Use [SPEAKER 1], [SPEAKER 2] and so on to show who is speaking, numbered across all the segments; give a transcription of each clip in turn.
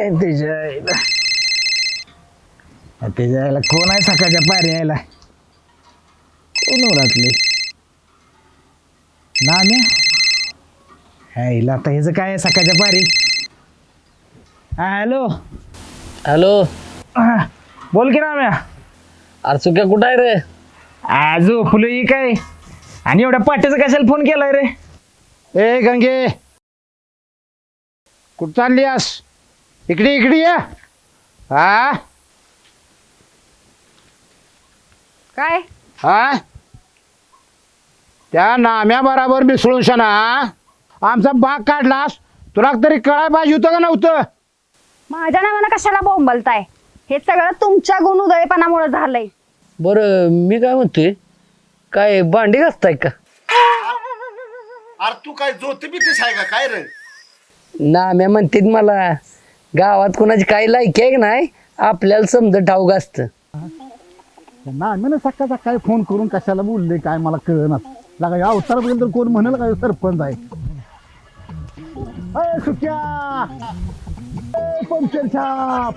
[SPEAKER 1] त्याच्या यायला कोण आहे सकाळच्या पारी यायला कोण ओळखले नाम्या ह्याला आता ह्याचं काय आहे सकाळच्या पारी हा हॅलो
[SPEAKER 2] हॅलो
[SPEAKER 1] बोल की नाम्या
[SPEAKER 2] अरे सुक्या कुठं आहे रे?
[SPEAKER 1] आजो फुलं ही काय आणि एवढ्या पाट्याचा कशाला फोन केलाय रे
[SPEAKER 3] ए गंगे कुठं चालली आस इकडे इकडे या हा
[SPEAKER 4] काय
[SPEAKER 3] हा त्या नाम्या बराबर मिसळून शना आमचा बाग काढलास तुला तरी कळाय पाहिजे होतं का नव्हतं?
[SPEAKER 4] माझ्या नावानं कशाला बोंबलताय? हे सगळं तुमच्या गुणउदयपणामुळे झालंय.
[SPEAKER 2] बरं मी काय म्हणतोय, काय भांडी घासताय का?
[SPEAKER 5] अरे तू काय जोत बितीस आहे का काय रे?
[SPEAKER 2] नाम्या म्हणते मला गावात कोणाची काही लायकी आहे की नाही आपल्याला समजा ठाऊक असतं.
[SPEAKER 3] नाम्यानं सकाळी फोन करून कशाला बोलले काय मला कळणार लागा या अवतार बघेल तर कोण म्हणाल काय सरपंच आहे. अय सुक्या ए, पंक्चर छाप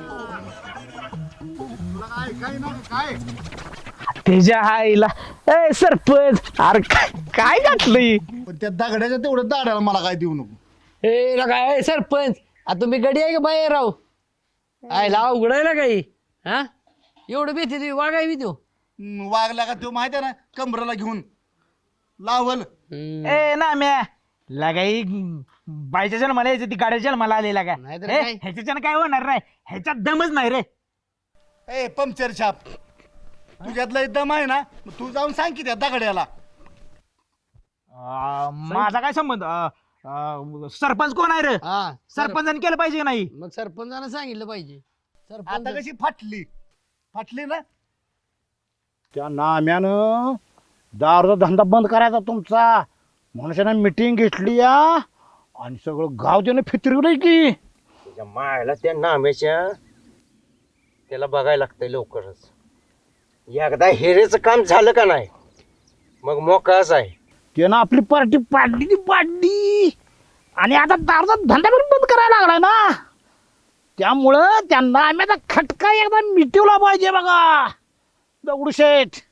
[SPEAKER 1] त्याच्या आईला ए सरपंच अरे काय घातलंय
[SPEAKER 5] पण त्या दगड्याच्या तेवढं दाडाला मला काय देऊ नको.
[SPEAKER 2] ए काय सरपंच आता तुम्ही गडी आहे का बाहेर राहू आयला उघडायला काही हा एवढं भीती तुम्ही वागाय भी देऊ
[SPEAKER 5] वागला का तो माहिती आहे ना कमराला घेऊन लावल.
[SPEAKER 1] ए नाम्या लगाई बायच्या जन्माला यायचं ती गाड्याच्या जन्माला आलेला का
[SPEAKER 2] नाहीतर काय?
[SPEAKER 1] ह्याच्यानं काय होणार नाही ह्याच्यात दमच नाही रे
[SPEAKER 5] ए पंक्चर छाप तुझ्यातला दम आहे ना मग तू जाऊन सांग की त्या दगड्याला.
[SPEAKER 1] माझा काय संबंध सरपंच कोण आहे रे
[SPEAKER 2] हा
[SPEAKER 1] सरपंचाने केलं पाहिजे का नाही
[SPEAKER 2] मग सरपंचानं सांगितलं पाहिजे.
[SPEAKER 5] आता कशी फाटली ना.
[SPEAKER 3] त्या नाम्यानं दारूचा धंदा बंद करायचा तुमचा म्हणून मिटिंग घेतली या आणि सगळं गाव त्यानं फिरवलंय की
[SPEAKER 6] त्याच्या मायला त्या नाम्याच्या त्याला बघायला लागतंय लवकरच. एकदा हेरेचं काम झालं का नाही मग मोकळाच आहे.
[SPEAKER 3] त्यानं आपली पार्टी पाडली आणि आता दारूचा धंदा पण बंद करायला लागलाय ना त्यामुळं त्या नाम्याचा खटका एकदा मिटवला पाहिजे बघा दगडूशेठ.